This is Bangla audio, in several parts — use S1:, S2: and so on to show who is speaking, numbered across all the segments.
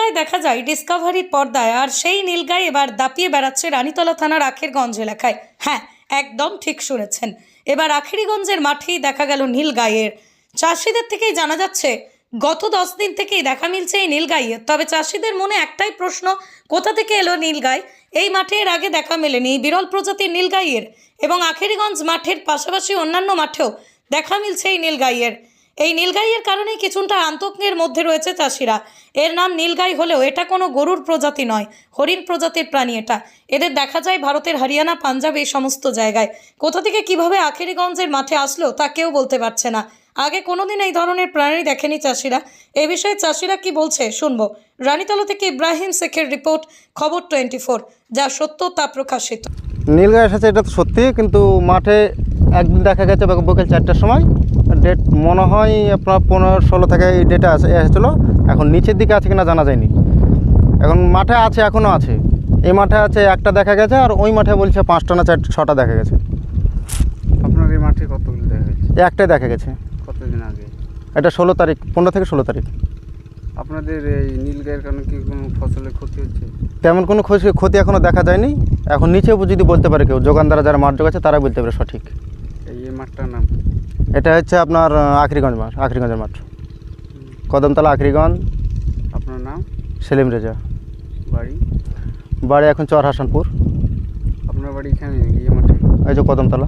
S1: নীলগাই দেখা যায় ডিসকভারির পর্দায়, আর সেই নীলগাই এবার দাপিয়ে বেড়াচ্ছে রানীতলা থানার আখেরগঞ্জ এলাকায়। হ্যাঁ, একদম ঠিক শুনেছেন, এবার আখেরিগঞ্জের মাঠেই দেখা গেল নীলগাইয়ের। চাষিদের থেকেই জানা যাচ্ছে গত 10 দিন থেকেই দেখা মিলছে এই নীলগাইয়ের। তবে চাষিদের মনে একটাই প্রশ্ন, কোথা থেকে এলো নীলগাই? এই মাঠে এর আগে দেখা মেলেনি বিরল প্রজাতির নীলগাইয়ের, এবং আখেরিগঞ্জ মাঠের পাশাপাশি অন্যান্য মাঠেও দেখা মিলছে এই নীলগাইয়ের। এই নীলগাইয়ের কারণে কিছুটা আতঙ্কের মধ্যে রয়েছে চাষিরা। এর নাম নীলগাই হলেও এটা কোনো গরুর প্রজাতি নয়, হরিণ প্রজাতির প্রাণী এটা। এদের দেখা যায় ভারতের হরিয়ানা, পাঞ্জাব এই সমস্ত জায়গায়। কোথা থেকে কিভাবে আখেরিগঞ্জের মাঠে আসলো তা কেউ বলতে পারছে না। আগে কোনোদিন এই ধরনের প্রাণী দেখেনি চাষিরা। এ বিষয়ে চাষিরা কি বলছে শুনবো। রানীতলা থেকে ইব্রাহিম শেখের রিপোর্ট, খবর 24, যা সত্য তা প্রকাশিত।
S2: নীলগাই এসেছে এটা তো সত্যি, কিন্তু মাঠে একদিন দেখা গেছে বিকেল 4টার সময়। ডেট মনে হয় আপনার 15-16 থেকে এই ডেটে এসেছিলো। এখন নিচের দিকে আছে কিনা জানা যায়নি। এখন মাঠে আছে, এখনও আছে। এই মাঠে আছে একটা দেখা গেছে, আর ওই মাঠে বলছে 5টা না 6টা দেখা গেছে।
S3: আপনার এই মাঠে কতগুলো দেখা গেছে?
S2: একটাই দেখা গেছে।
S3: কতদিন আগে?
S2: এটা 16 তারিখ, 15 থেকে 16 তারিখ।
S3: আপনাদের এই নীলগাইয়ের কারণে কি কোনো ফসলের ক্ষতি হচ্ছে?
S2: তেমন কোনো ক্ষতি এখনও দেখা যায়নি। এখন নিচেও যদি বলতে পারে কেউ, যোগানদারা যারা মাঠ যোগাচ্ছে তারা বলতে পারে সঠিক।
S3: এই মাঠটার নাম?
S2: এটা হচ্ছে আপনার আখেরিগঞ্জ মাঠ, আখেরিগঞ্জের মাঠ, কদমতলা আখেরিগঞ্জ।
S3: আপনার নাম?
S2: সেলিম রেজা।
S3: বাড়ি
S2: এখন চর হাসানপুর।
S3: আপনার বাড়ি এখানে নাকি এই মাঠে?
S2: এই যে কদমতলা।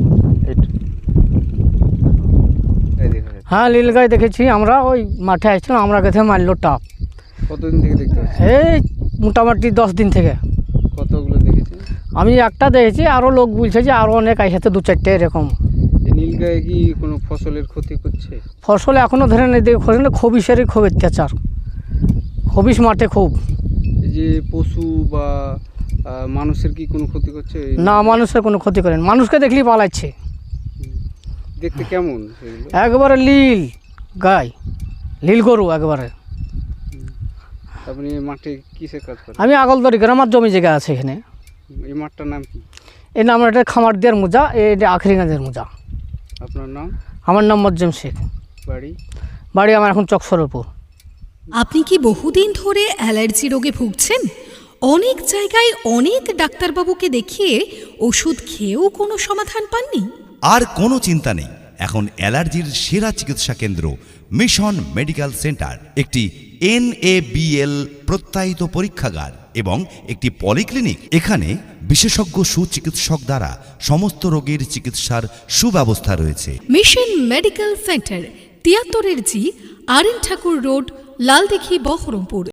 S4: হ্যাঁ, নীলগাই দেখেছি আমরা। ওই মাঠে আসছিলাম, আমরা কাছে মারলো টাপ।
S3: কতদিন থেকে দেখতে পাচ্ছেন?
S4: এই মোটামুটি 10 দিন থেকে।
S3: কতগুলো দেখেছেন?
S4: আমি একটা দেখেছি, আরও লোক বলছে যে আরও অনেক আসছে, 2-4টে এরকম।
S3: এই নীলগাই কি কোনো ফসলের ক্ষতি করছে?
S4: ফসল এখনও ধরে নেই, খবিসেরই খুব অত্যাচার। খবিস মাঠে খুব।
S3: এই যে পশু বা মানুষের কি কোনো ক্ষতি করছে?
S4: না, মানুষের কোনো ক্ষতি করেন, মানুষকে দেখলেই পালাচ্ছে।
S3: দেখতে কেমন সেগুলো?
S4: একবারে লীল গাই, লীল গরু একবারে।
S3: আপনি এই মাঠে কিসের কাজ করেন?
S4: আমি আগলদরি গ্রামের জমি জায়গা আছে এখানে।
S3: এই মাঠটার নাম কি?
S4: এই নাম এটা খামার দিয়ার মোজা, এটা আখেরিগঞ্জের মোজা।
S3: আপনার নাম?
S4: আমার নাম মজ্জেম শেখ।
S3: বাড়ি
S4: আমার এখন চকসরপুর।
S5: আপনি কি বহুদিন ধরে অ্যালার্জি রোগে ভুগছেন? অনেক জায়গায় অনেক ডাক্তারবাবুকে দেখিয়ে ওষুধ খেয়েও কোনো সমাধান পাননি?
S6: আর কোনো চিন্তা নেই, এখন অ্যালার্জির সেরা চিকিৎসা কেন্দ্র মিশন মেডিকেল সেন্টার, একটি NABL প্রত্যয়িত পরীক্ষাগার এবং একটি পলিক্লিনিক। এখানে বিশেষজ্ঞ সুচিকিৎসক দ্বারা সমস্ত রোগের চিকিৎসার সুব্যবস্থা রয়েছে।
S5: Mission medical centre, 73G, RN Thakur road, Laldighi, Baharampur.